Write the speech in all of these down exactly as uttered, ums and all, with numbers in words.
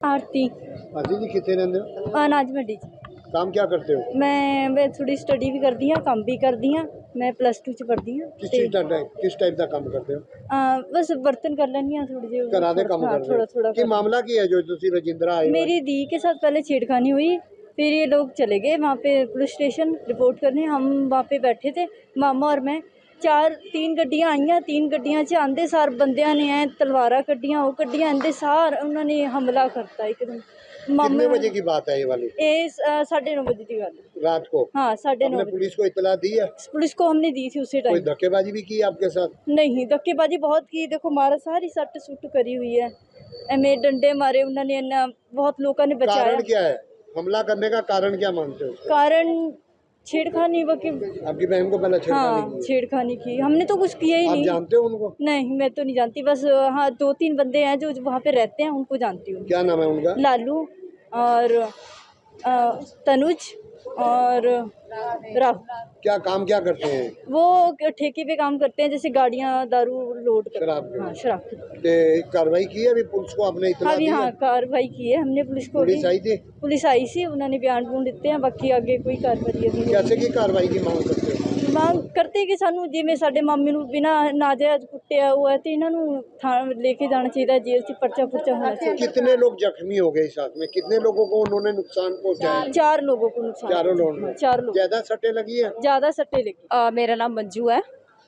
आरती। आरती जी कितने रहंदे हो? अनाज मंडी च। काम क्या करते हो? मैं मैं थोड़ी स्टडी भी करती हाँ, काम भी करती हाँ। मैं प्लस टू च पढ़ती हाँ। किस चीज़ का किस टाइप का काम करते हो? आ, बस बर्तन कर लेनी हाँ थोड़ी जी। घरा दे काम करते हो? थोड़ा थोड़ा कि मामला की है जो तुसी रजिंद्रा आए हो? मेरी दी के साथ पहले छेड़खानी हुई, फिर ये लोग चले गए वहाँ पे पुलिस स्टेशन रिपोर्ट करने। हम वहाँ पे बैठे थे, मामा और मैं। चार तीन गड्डियाँ आईयां, तीन गड्डियां च आंदे सार बंदियां ने ऐ तलवारां कड्डियां, वो कड्डियां आंदे सार उन्होंने हमला करता एकदम। कितने बजे की बात है ये वाली? ये साढ़े नौ बजे की गल रात को? हाँ, साढ़े नौ। पुलिस को इतला दी है? पुलिस को हमने दी थी उसी टाइम। कोई धक्केबाजी भी की आपके साथ? नहीं, धक्केबाजी बहुत की। देखो मारा सारी सट सुट करी हुई है, एमे डंडे मारे उन्होंने, इन्ना बहुत लोगों ने बचाया। कारण क्या है? हमला करने का कारण क्या मानते हो? कारण छेड़खानी। वो की आपकी बहन को पहले छेड़खानी हाँ, की? छेड़खानी की। हमने तो कुछ किया ही आप नहीं। जानते हो उनको? नहीं, मैं तो नहीं जानती। बस हाँ, दो तीन बंदे हैं जो वहाँ पे रहते हैं, उनको जानती हूँ। क्या नाम है उनका? लालू और अ, तनुज और राहुल। क्या काम क्या करते हैं वो? ठेके पे काम करते हैं, जैसे गाड़ियाँ दारू लोड कर। शराब हाँ, शराब की। ते कार्रवाई की है अभी पुलिस को आपने इतला अभी दी हाँ, है? कार्रवाई की है हमने पुलिस को। पुलिस आई थी? पुलिस आई सी, उन्होंने बयान बून दिते हैं, बाकी आगे कोई कार्रवाई अभी नहीं। कैसे की कार्रवाई की मांग करते हो? मांग करते कि सानू जिवें साडे मामे नूं बिना नाजायज कुੱਟਿਆ हुआ है तो इन्हों थाने लेके जाना चाहिए, जेल से पर्चा पुर्चा होना चाहिए। कितने लोग जख्मी हो गए साथ में? कितने लोगों को उन्होंने नुकसान पहुंचाया? चार लोगों को नुकसान। चारों लोग? चार लोग। ज्यादा सट्टे लगी है? ज्यादा सट्टे लगी। अ, मेरा नाम मंजू है।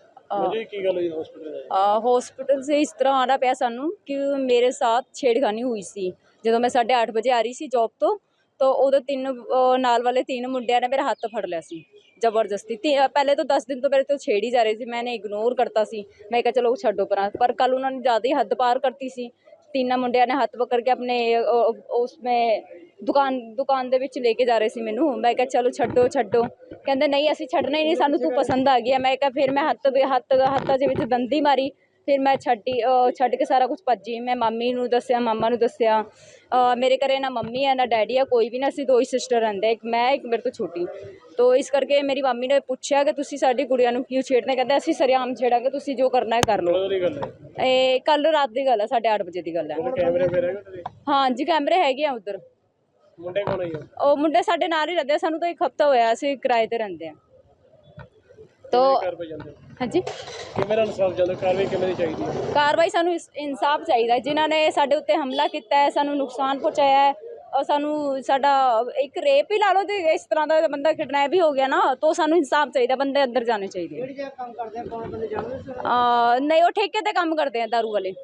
हॉस्पिटल से इस तरह आना ਪਿਆ ਸਾਨੂੰ ਕਿ ਮੇਰੇ ਸਾਥ ਛੇੜਖਾਨੀ ਹੋਈ ਸੀ ਜਦੋਂ ਮੈਂ ਸਾਢੇ ਅੱਠ ਵਜੇ ਆ ਰਹੀ ਸੀ ਜੌਬ ਤੋਂ। तो उदो तीन नाल वाले तीन मुंडिया ने मेरा हाथ फड़ लिया सी जबरदस्ती। पहले तो दस दिन तो मेरे तो छेड़ ही जा रही थी, मैंने इग्नोर करता सी। मैं कहा चलो छड्डो पर पर कल उन्होंने ज़्यादा ही हद पार करती सी। तीन मुंडिया ने हाथ पकड़ के अपने उसमें दुकान दुकान दे विच लेके जा रहे सी मैनू। मैं कहा चलो छड्डो छड्डो, कहते नहीं असीं छड्डना ही नहीं, सानू तू पसंद आ गया। मैं कहा फिर मैं हत्थ हत्थ हत्था दे विच दंदी मारी, फिर मैं छड्डी छड्ड के सारा कुछ भज्जी। मैं मामी नूं दस्सिया, मामा नूं दस्सिया। मेरे घरे ना मम्मी है ना डैडी है, कोई भी ना, असीं दो ही सिस्टर रहिंदे, एक मैं एक मेरे तो छोटी। तो इस करके मेरी मामी ने पूछा कि तुसीं साडी कुड़ियां नूं क्यों छेड़ने, कहंदे असीं सरेआम छेड़ांगे, तुसीं जो करना है कर लो। ਇਹ ਕੱਲ ਰਾਤ ਦੀ ਗੱਲ ਹੈ, ਸਾਢੇ ਅੱਠ ਵਜੇ ਦੀ ਗੱਲ ਹੈ। कैमरे पे रहेगा? ਹਾਂ ਜੀ, ਕੈਮਰੇ ਹੈਗੇ ਆ ਉਧਰ। ਮੁੰਡੇ ਕੌਣ ਹੈ? ਉਹ ਮੁੰਡੇ ਸਾਡੇ ਨਾਲ ਹੀ ਰਹਿੰਦੇ ਆ, ਸਾਨੂੰ ਤਾਂ ਇੱਕ ਹਫਤਾ ਹੋਇਆ ਅਸੀਂ ਕਿਰਾਏ ਤੇ ਰਹਿੰਦੇ ਆ। तो हाँ जी, कार्रवाई सानू इंसाफ चाहिए। जिन्होंने साडे उत्ते हमला किया है, सानू नुकसान पहुँचाया है, और सानू साडा एक रेप ही ला लो, तो इस तरह का बंदा किडनैप भी हो गया ना, तो सानू इंसाफ चाहिए, बंदे अंदर जाने चाहिए। नहीं, वो ठेके ते काम करते हैं दारू वाले,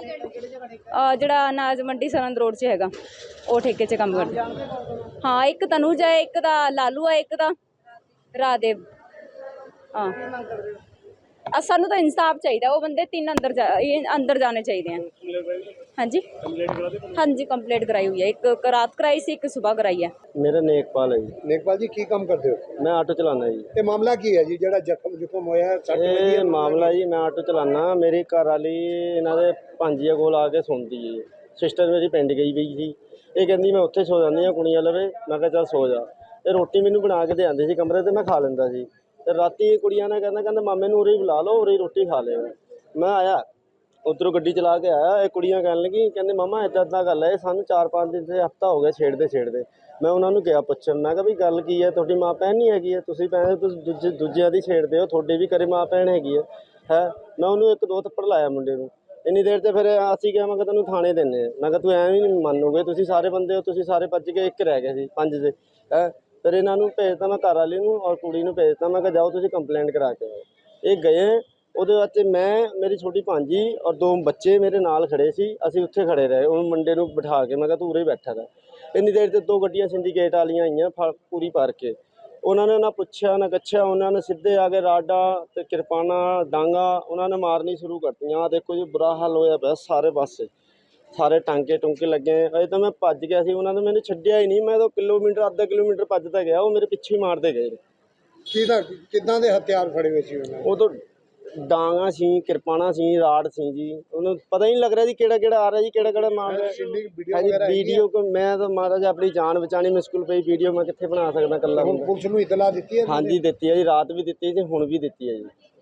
जड़ा अनाज मंडी सरहंद रोड से हैगा, वो ठेके च काम करते। हाँ, एक तनुज है, एक दा लालू है, एक दा राहदेव। हाँ, सानू तो इंसाफ चाहिए, वो बंदे तीन अंदर जा अंदर जाने चाहिए हैं। हाँ जी, हाँ जी, कंप्लेंट कराई हुई है, एक रात कराई सी, एक सुबह कराई है। मेरा नेकपाल है जी। नेकपाल जी की काम करते हो? मैं आटो चलाना जी। ये मामला की है जी ਜਿਹੜਾ ਜ਼ਖਮ ਜ਼ੁਖਮ ਹੋਇਆ? ਇਹ ਮਾਮਲਾ ਜੀ, ਮੈਂ ਆਟੋ ਚਲਾਨਾ, ਮੇਰੀ ਘਰ ਵਾਲੀ ਇਹਨਾਂ ਦੇ ਭਾਂਜੀਆਂ ਕੋਲ ਆ ਕੇ ਸੌਂਦੀ ਜੀ। ਸਿਸਟਰ ਮੇਰੀ ਪਿੰਡ ਗਈ ਪਈ ਸੀ, ਇਹ ਕਹਿੰਦੀ ਮੈਂ ਉੱਥੇ ਸੌ ਜਾਂਦੀ ਹਾਂ ਕੁੜੀਆਂ ਲਵੇ। ਮੈਂ ਕਿਹਾ ਚੱਲ ਸੌ ਜਾ। ਇਹ ਰੋਟੀ ਮੈਨੂੰ ਬਣਾ ਕੇ ਦੇ ਆਉਂਦੀ ਸੀ ਕਮਰੇ ਤੇ, ਮੈਂ ਖਾ ਲੈਂਦਾ ਸੀ। ਤੇ ਰਾਤੀ ਕੁੜੀਆਂ ਨੇ ਕਹਿੰਦਾ ਕਹਿੰਦਾ ਮਾਮੇ ਨੂੰ ਉਰੇ ਹੀ ਬੁਲਾ ਲਓ, ਉਰੇ ਹੀ ਰੋਟੀ ਖਾ ਲਿਓ। ਮੈਂ ਆਇਆ ਉੱਧਰੋਂ ਗੱਡੀ ਚਲਾ ਕੇ ਆਇਆ, ਇਹ ਕੁੜੀਆਂ ਕਹਿਣ ਲੱਗੀ, ਕਹਿੰਦੇ ਮਾਮਾ ਇੱਦਾਂ ਇੱਦਾਂ ਗੱਲ ਹੈ, ਸਾਨੂੰ ਚਾਰ ਪੰਜ ਦਿਨ ਤੇ ਹਫ਼ਤਾ ਹੋ ਗਿਆ ਛੇੜਦੇ ਛੇੜਦੇ। ਮੈਂ ਉਹਨਾਂ ਨੂੰ ਕਿਹਾ ਪੁੱਛਣ, ਮੈਂ ਕਿਹਾ ਵੀ ਗੱਲ ਕੀ ਹੈ, ਤੁਹਾਡੀ ਮਾਂ ਭੈਣ ਨਹੀਂ ਹੈਗੀ ਹੈ? ਤੁਸੀਂ ਭੈਣ ਤੁਸੀਂ ਦੂਜੇ ਦੂਜਿਆਂ ਦੀ ਛੇੜਦੇ ਹੋ, ਤੁਹਾਡੇ ਵੀ ਘਰੇ ਮਾਂ ਭੈਣ ਹੈਗੀ ਹੈ ਹੈ ਮੈਂ ਉਹਨੂੰ ਇੱਕ ਦੋ ਥੱਪੜ ਲਾਇਆ ਮੁੰਡੇ ਨੂੰ। ਇੰਨੀ ਦੇਰ 'ਤੇ ਫਿਰ ਅਸੀਂ ਕਿਹਾ, ਮੈਂ ਕਿਹਾ ਤੈਨੂੰ ਥਾਣੇ ਦਿੰਦੇ ਹਾਂ। ਮੈਂ ਕਿਹਾ ਤੂੰ ਐਵੇਂ ਨਹੀਂ ਮੰਨੋਗੇ, ਤੁਸੀਂ ਸਾਰੇ ਬੰਦੇ ਹੋ, ਤੁਸੀਂ ਸਾਰੇ ਭੱਜ ਗਏ, ਇੱਕ ਰਹਿ ਗਏ ਸੀ ਪੰਜ ਦੇ ਹੈ। ਫਿਰ ਇਹਨਾਂ ਨੂੰ ਭੇਜਤਾ ਮੈਂ ਘਰ ਵਾਲੀ ਨੂੰ ਔਰ ਕੁੜੀ ਨੂੰ ਭੇਜਤਾ, ਮੈਂ ਕਿਹਾ ਜਾਓ ਤੁਸੀਂ ਕੰਪਲੇਂਟ ਕਰਾ ਕੇ ਆਓ। ਇਹ ਗਏ, ਉਹਦੇ ਵਾਸਤੇ ਮੈਂ, ਮੇਰੀ ਛੋਟੀ ਭਾਂਜੀ ਔਰ ਦੋ ਬੱਚੇ ਮੇਰੇ ਨਾਲ ਖੜੇ ਸੀ, ਅਸੀਂ ਉੱਥੇ ਖੜੇ ਰਹੇ। ਉਹ ਮੁੰਡੇ ਨੂੰ ਬਿਠਾ ਕੇ ਮੈਂ ਕਿਹਾ ਤੂੰ ਉਰੇ ਹੀ ਬੈਠਾ ਰਹਿ। ਇੰਨੀ ਦੇਰ 'ਤੇ ਦੋ ਗੱਡੀਆਂ ਸਿੰਡੀਕੇਟ ਵਾਲੀਆਂ ਆਈਆਂ ਫ ਪੂਰੀ ਭਰ ਕੇ। ਉਹਨਾਂ ਨੇ ਨਾ ਪੁੱਛਿਆ ਨਾ ਕੱਛਿਆ, ਉਹਨਾਂ ਨੇ ਸਿੱਧੇ ਆ ਕੇ ਰਾਡਾ ਅਤੇ ਕਿਰਪਾਨਾਂ ਡਾਂਗਾ ਉਹਨਾਂ ਨੇ ਮਾਰਨੀ ਸ਼ੁਰੂ ਕਰਤੀਆਂ। ਆਹ ਦੇਖੋ ਜੀ, ਬੁਰਾ ਹਾਲ ਹੋਇਆ ਪਿਆ ਸਾਰੇ ਪਾਸੇ, ਸਾਰੇ ਟਾਂਕੇ ਟੁੰਕੇ ਲੱਗੇ। ਅਜੇ ਤਾਂ ਮੈਂ ਭੱਜ ਗਿਆ ਸੀ, ਉਹਨਾਂ ਨੇ ਮੈਨੂੰ ਛੱਡਿਆ ਹੀ ਨਹੀਂ। ਮੈਂ ਤਾਂ ਕਿਲੋਮੀਟਰ ਅੱਧਾ ਕਿਲੋਮੀਟਰ ਭੱਜਦਾ ਗਿਆ, ਉਹ ਮੇਰੇ ਪਿੱਛੇ ਹੀ ਮਾਰਦੇ ਗਏ। ਕਿਹਦਾ ਕਿੱਦਾਂ ਦੇ ਹਥਿਆਰ ਫੜੇ ਹੋਏ ਸੀ ਉਹਨਾਂ? ਉਹ ਤੋਂ ਡਾਂਗਾ ਸੀ, ਕਿਰਪਾਨਾਂ ਸੀ, ਰਾੜ ਸੀ ਜੀ। ਉਹਨੂੰ ਪਤਾ ਹੀ ਨਹੀਂ ਲੱਗ ਰਿਹਾ ਜੀ ਕਿਹੜਾ ਕਿਹੜਾ ਆ ਰਿਹਾ ਜੀ, ਕਿਹੜਾ ਕਿਹੜਾ ਮਾਰ ਰਿਹਾ ਜੀ। ਵੀਡੀਓ ਕੋ ਮੈਂ ਤਾਂ ਮਹਾਰਾਜ ਆਪਣੀ ਜਾਨ ਬਚਾਉਣੀ ਮੁਸ਼ਕਿਲ ਪਈ, ਵੀਡੀਓ ਮੈਂ ਕਿੱਥੇ ਬਣਾ ਸਕਦਾ ਇਕੱਲਾ। ਪੁਲਿਸ ਨੂੰ ਇਤਲਾ ਦਿੱਤੀ ਹੈ? ਹਾਂਜੀ ਦਿੱਤੀ ਹੈ ਜੀ, ਰਾਤ ਵੀ ਦਿੱਤੀ ਜੀ, ਹੁਣ ਵੀ ਦਿੱਤੀ ਹੈ ਜੀ।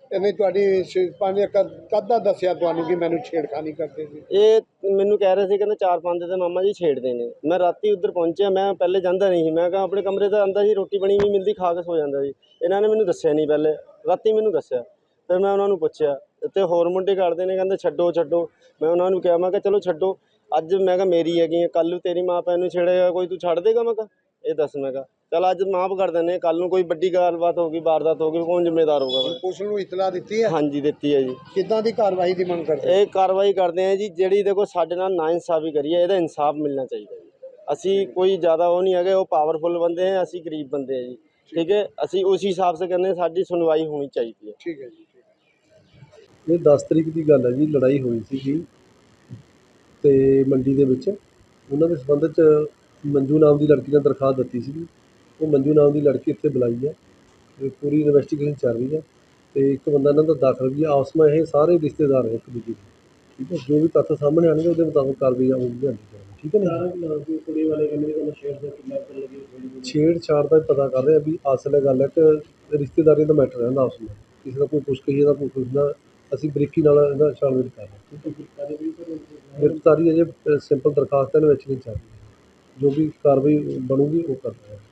ਇਹਨੇ ਤੁਹਾਡੀ ਸ਼ਿਲਪਾ ਨੇ ਕਦ ਕਦ ਦਾ ਦੱਸਿਆ ਤੁਹਾਨੂੰ ਕਿ ਮੈਨੂੰ ਛੇੜਖਾਨੀ ਕਰਦੇ ਸੀ? ਇਹ ਮੈਨੂੰ ਕਹਿ ਰਹੇ ਸੀ, ਕਹਿੰਦੇ ਚਾਰ ਪੰਜ ਤੇ ਮਾਮਾ ਜੀ ਛੇੜਦੇ ਨੇ। ਮੈਂ ਰਾਤੀ ਉੱਧਰ ਪਹੁੰਚਿਆ, ਮੈਂ ਪਹਿਲੇ ਜਾਂਦਾ ਨਹੀਂ ਸੀ, ਮੈਂ ਕਿਹਾ ਆਪਣੇ ਕਮਰੇ ਤੇ ਆਂਦਾ ਸੀ, ਰੋਟੀ ਬਣੀ ਵੀ ਮਿਲਦੀ, ਖਾ ਕੇ ਸੋ ਜਾਂਦਾ ਸੀ। ਇਹਨਾਂ ਨੇ ਮੈਨੂੰ ਦੱਸਿਆ ਨਹੀਂ, ਪਹਿਲੇ ਰਾਤੀ ਮੈਨੂੰ ਦੱਸਿਆ। ਫਿਰ ਮੈਂ ਉਹਨਾਂ ਨੂੰ ਪੁੱਛਿਆ ਤੇ ਹੋਰ ਮੁੰਡੇ ਕਰਦੇ ਨੇ, ਕਹਿੰਦੇ ਛੱਡੋ ਛੱਡੋ। ਮੈਂ ਉਹਨਾਂ ਨੂੰ ਕਿਹਾ, ਮੈਂ ਕਿਹਾ ਚਲੋ ਛੱਡੋ, ਅੱਜ ਮੈਂ ਕਿਹਾ ਮੇਰੀ ਹੈਗੀ ਹੈ, ਕੱਲ੍ਹ ਨੂੰ ਤੇਰੀ ਮਾਂ ਭੈਣ ਨੂੰ ਛੇੜੇਗਾ ਕੋਈ, ਤੂੰ ਛੱਡ ਦੇਗਾ? ਮੈਂ ਕਿਹਾ ਇਹ ਦੱਸ। ਮੈਂ ਕਿਹਾ ਚੱਲ ਅੱਜ ਮਾਫ਼ ਕਰ ਦਿੰਦੇ, ਕੱਲ੍ਹ ਨੂੰ ਕੋਈ ਵੱਡੀ ਗੱਲਬਾਤ ਹੋ ਗਈ, ਵਾਰਦਾਤ ਹੋ ਗਈ, ਕੌਣ ਜ਼ਿੰਮੇਦਾਰ ਹੋਊਗਾ ਫਿਰ? ਪੁਲਿਸ ਨੂੰ ਇਤਲਾ ਦਿੱਤੀ ਹੈ? ਹਾਂਜੀ ਦਿੱਤੀ ਹੈ ਜੀ। ਕਿੱਦਾਂ ਦੀ ਕਾਰਵਾਈ ਦੀ ਮੰਗ ਕਰਦੇ? ਇਹ ਕਾਰਵਾਈ ਕਰਦੇ ਆ ਜੀ, ਜਿਹੜੀ ਦੇਖੋ ਸਾਡੇ ਨਾਲ ਨਾਇਨਸਾਫੀ ਕਰੀ ਹੈ, ਇਹਦਾ ਇਨਸਾਫ ਮਿਲਣਾ ਚਾਹੀਦਾ ਜੀ। ਅਸੀਂ ਕੋਈ ਜ਼ਿਆਦਾ ਉਹ ਨਹੀਂ ਹੈਗੇ, ਉਹ ਪਾਵਰਫੁਲ ਬੰਦੇ ਹੈ, ਅਸੀਂ ਗਰੀਬ ਬੰਦੇ ਆ ਜੀ, ਠੀਕ ਹੈ। ਅਸੀਂ ਉਸ ਹਿਸਾਬ ਸੇ ਕਹਿੰਦੇ, ਸਾਡੀ ਸੁਣਵਾਈ ਹੋਣੀ ਚਾਹੀਦੀ ਹੈ। ਠੀਕ ਹੈ ਜੀ। ਇਹ ਦਸ ਤਰੀਕ ਦੀ ਗੱਲ ਹੈ ਜੀ, ਲੜਾਈ ਹੋਈ ਸੀਗੀ ਤੇ ਮੰਡੀ ਦੇ ਵਿੱਚ। ਉਹਨਾਂ ਦੇ ਸੰਬੰਧ 'ਚ ਮੰਜੂ ਨਾਮ ਦੀ ਲੜਕੀ ਨੇ ਦਰਖਾਸਤ ਦਿੱਤੀ ਸੀਗੀ। ਉਹ ਮੰਜੂ ਨਾਮ ਦੀ ਲੜਕੀ ਇੱਥੇ ਬੁਲਾਈ ਹੈ ਤੇ ਪੂਰੀ ਇਨਵੈਸਟੀਗੇਸ਼ਨ ਚੱਲ ਰਹੀ ਹੈ ਤੇ ਇੱਕ ਬੰਦਾ ਇਹਨਾਂ ਦਾ ਦਾਖਲ ਵੀ ਹੈ। ਆਪਸ ਵਿੱਚ ਇਹ ਸਾਰੇ ਰਿਸ਼ਤੇਦਾਰ ਹੈ ਇੱਕ ਦੂਜੇ ਦੇ, ਠੀਕ ਹੈ। ਜੋ ਵੀ ਤੱਥ ਸਾਹਮਣੇ ਆਉਣਗੇ ਉਹਦੇ ਮੁਤਾਬਕ ਕਾਰਵਾਈ ਹੋਊਗੀ, ਲਿਆਂਦੀ ਜਾਵੇਗੀ, ਠੀਕ ਹੈ ਨਾ। ਕੁੜੀ ਵਾਲੇ ਕਹਿੰਦੇ ਤੁਹਾਨੂੰ ਛੇੜ ਦਾ ਕਿੰਨਾ ਕਰ ਲੱਗੇ? ਛੇੜਛਾੜ ਦਾ ਪਤਾ ਕਰ ਰਹੇ ਆ ਵੀ ਅਸਲ ਗੱਲ ਹੈ ਕਿ ਰਿਸ਼ਤੇਦਾਰੀ ਦਾ ਮੈਟਰ ਰਹਿੰਦਾ ਆਪਸ ਵਿੱਚ, ਕਿਸੇ ਦਾ ਕੋਈ ਕੁਛ ਕਹੀਏ ਦਾ ਕੋਈ ਕੁਛ ਦਾ। ਅਸੀਂ ਬਰੀਕੀ ਨਾਲ ਇਹਦਾ ਛਾਣਬੀਣ ਕਰ ਰਹੇ ਹਾਂ। ਗ੍ਰਿਫਤਾਰੀ ਅਜੇ ਸਿੰਪਲ ਦਰਖਾਸਤ ਇਨਵੈਸਟੀਗੇਸ਼ਨ ਚੱਲ ਰਹੀ ਹੈ, ਜੋ ਵੀ ਕਾਰਵਾਈ ਬਣੂਗੀ ਉਹ ਕਰ ਰਹੇ ਹਾਂ।